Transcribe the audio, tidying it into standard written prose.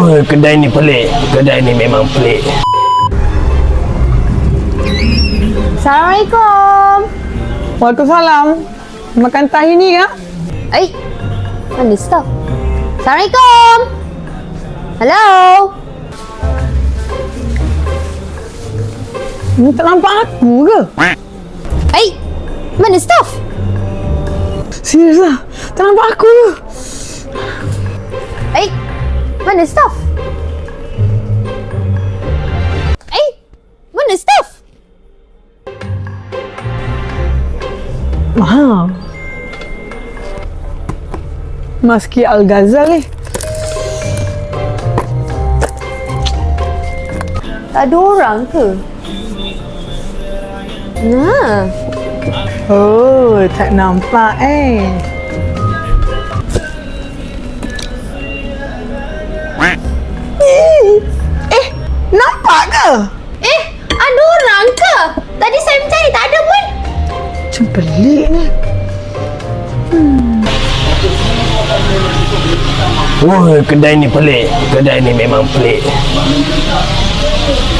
Oh, kedai ni pelik. Kedai ni memang pelik. Assalamualaikum. Waalaikumsalam. Makan tahi ni kak? Mana stop? Assalamualaikum. Hello. Ni tak nampak aku ke? Mana staff? Serius lah. Tak nampak aku ke? Mana staff? Mana staff? Mahal. Maski Al-Ghazali. Tak ada orang ke? Nah. Oh, tak nampak nampak ke? Ada orang ke? Tadi saya mencari tak ada pun. Macam pelik ni. Oh, kedai ni pelik. Kedai ni memang pelik.